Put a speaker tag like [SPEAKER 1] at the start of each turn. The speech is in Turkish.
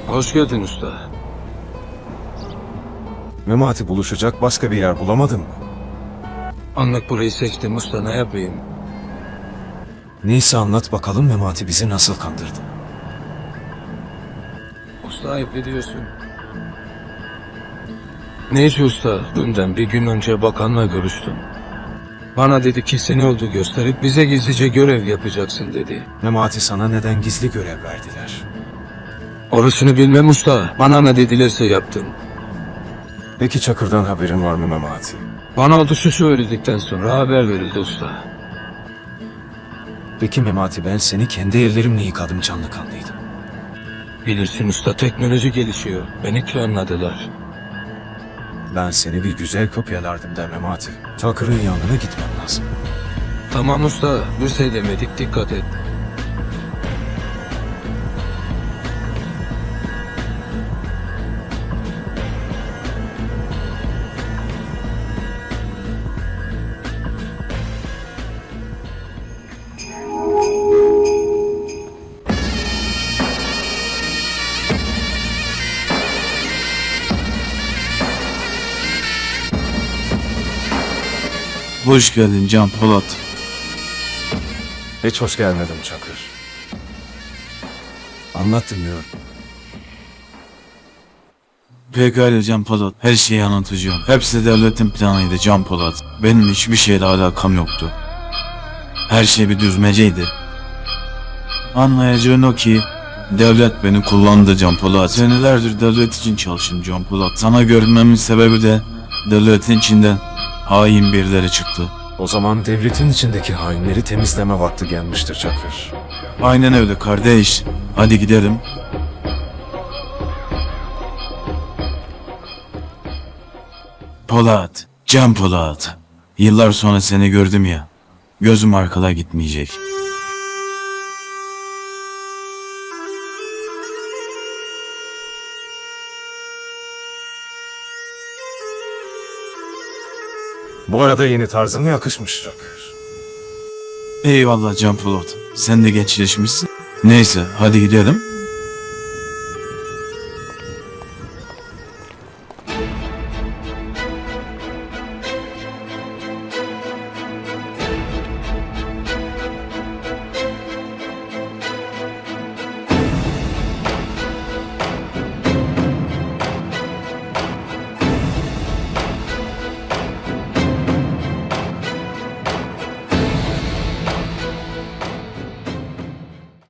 [SPEAKER 1] Hoş geldin usta.
[SPEAKER 2] Memati buluşacak başka bir yer bulamadın mı?
[SPEAKER 1] Anlık burayı seçtim usta, ne yapayım?
[SPEAKER 2] Neyse anlat bakalım Memati bizi nasıl kandırdı?
[SPEAKER 1] Usta ayıp ediyorsun. Neyse usta, dünden bir gün önce bakanla görüştüm. Bana dedi ki seni yolcu gösterip bize gizlice görev yapacaksın dedi.
[SPEAKER 2] Memati sana neden gizli görev verdiler?
[SPEAKER 1] Orasını bilmem usta, bana ne dedilerse yaptım.
[SPEAKER 2] Peki Çakır'dan haberin var mı Memati?
[SPEAKER 1] Bana oluşu söyledikten sonra haber verildi usta.
[SPEAKER 2] Peki Memati ben seni kendi ellerimle yıkadım canlı kanlıydım.
[SPEAKER 1] Bilirsin usta, teknoloji gelişiyor. Beni planladılar.
[SPEAKER 2] Ben seni bir güzel kopyalardım da Memati. Çakır'ın yanına gitmem lazım.
[SPEAKER 1] Tamam usta, bir şey demedik, dikkat et.
[SPEAKER 3] Hoş geldin Can Polat.
[SPEAKER 2] Hiç hoş gelmedim Çakır. Anlat dinliyorum.
[SPEAKER 3] Pekala Can Polat. Her şeyi anlatacağım. Hepsi devletin planıydı Can Polat. Benim hiçbir şeyle alakam yoktu. Her şey bir düzmeceydi. Anlayacağın o ki devlet beni kullandı Can Polat. Senelerdir devlet için çalıştım Can Polat. Sana görünmemin sebebi de devletin içinden hain birileri çıktı.
[SPEAKER 2] O zaman devletin içindeki hainleri temizleme vakti gelmiştir Çakır.
[SPEAKER 3] Aynen öyle kardeş. Hadi gidelim. Polat, Can Polat. Yıllar sonra seni gördüm ya. Gözüm arkada gitmeyecek.
[SPEAKER 2] Bu arada yeni tarzına yakışmış Çakır.
[SPEAKER 3] Eyvallah Can Polat. Sen de gençleşmişsin. Neyse hadi gidelim.